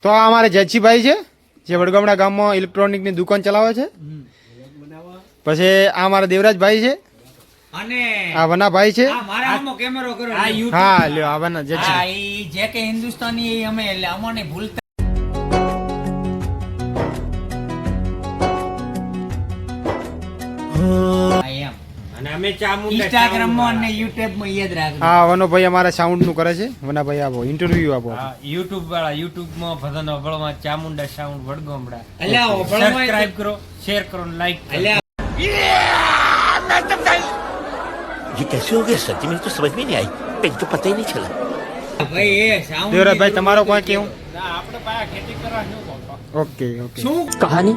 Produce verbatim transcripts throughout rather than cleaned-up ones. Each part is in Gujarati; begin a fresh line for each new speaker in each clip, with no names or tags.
તો આ અમારે જયસિંહભાઈ છે જે વડગામડા ગામમાં ઇલેક્ટ્રોનિકની દુકાન ચલાવે છે. પછી આ અમારા દેવરાજભાઈ છે
અને
આ વનાભાઈ છે.
આ મારા આમો કેમેરો કરો.
આ YouTube
હા લ્યો આ વના
હા
જયસિંહ.
ઈ જે કે હિન્દુસ્તાની એ અમે એટલે અમને ભૂલતા હા, એમ.
અને અમે ચામુંડા
Instagram માં અને YouTube માં યાદ રાખજો.
હા વનોભાઈ અમારા સાઉન્ડ નું કરે છે. વનાભાઈ આપો ઇન્ટરવ્યુ આપો.
હા, YouTube વાળા YouTube માં ભજન વળમાં ચામુંડા સાઉન્ડ વડગામડા.
અલ્યા ઓભળમાં
સબસ્ક્રાઇબ કરો, શેર કરો, લાઈક કરો.
અલ્યા
ये कैसे हो गया सच में तो समझ में नहीं आई पेट तो पता ही नहीं चला
ભાઈ એ sound
દેવરાજભાઈ તમારો કોઈ કેવું?
ના, આપણે પાયા ખેતી કરવા શું કહો?
Okay okay.
શું
कहानी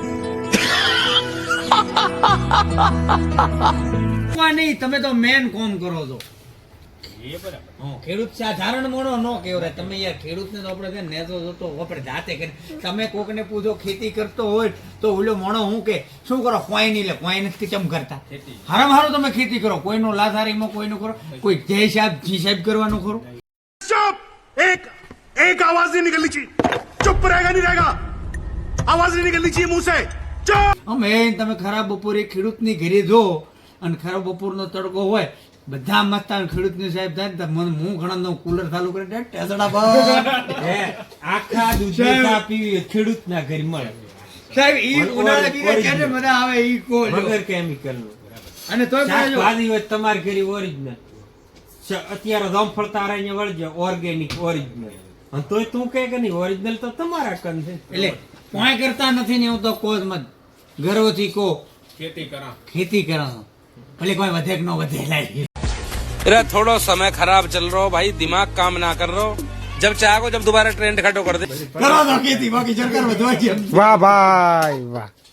વા નહીં, તમે તો મેન કોમ કરો છો.
એ બરાબર.
હા, ખેડૂત સાધારણ મોણો નો કેવરે તમે યાર ખેડૂતને તો આપણે છે ને નેતો જોતો આપણે જાતે કરી. તમે કોકને પૂછો ખેતી કરતો હોય તો ઓલો મોણો હું કે શું કરો કોઈ નહીં લે કોઈ નથી ચમ કરતા.
ખેતી.
હારામ હારું તમે ખેતી કરો, કોઈનું લાથારીમાં કોઈનું કરો, કોઈ જય સાહેબ જી સાહેબ કરવાનું ખરું.
चुप एक एक आवाज नहीं निकलनी चाहिए चुप रहेगा नहीं रहेगा आवाज नहीं निकलनी चाहिए मुंह से चुप
અમે તમે ખરાબ બપોરે ખેડૂતની ઘરે જો અને ખરાબ બપોરનો તડકો હોય બધા મસ્તા ખેડૂતની સાહેબ થાય ને તો મને હું ઘણા કુલર ચાલુ કરી દે ટેસડા બંધ.
હે, આખા દૂધની ચા પીવી ખેડૂતના ઘરે મળે
સાહેબ ઈ
ઓર-
ઉનાળા
ઓર-
દીને કેને મજા આવે ઈ કો લ્યો.
વગર કેમિકલનું.
અને તોય પાછું
શાકભાજી હોય તમારા ઘરે ઓરિજિનલ. અત્યારે જામફળ તારા અહીંયા વળજે ઓર્ગેનિક ઓરિજિનલ. અને તોય તું કહે કે નહીં ઓરિજિનલ તો તમારા કન છે.
એટલે કોઈ કરતા નથી ને હું તો કોજ મત ગર્વથી કો
ખેતી કરા.
ખેતી કરો ભલે કોઈ વધે કે ન વધે લાય.
अरे थोड़ा समय खराब चल रहा हो भाई दिमाग काम ना कर रहा हो जब चाहो जब दोबारा ट्रेंड खटो कर दे
કરો તો ખેતી બાકી સરકાર વધવા છે.
વાહ ભાઈ વાહ.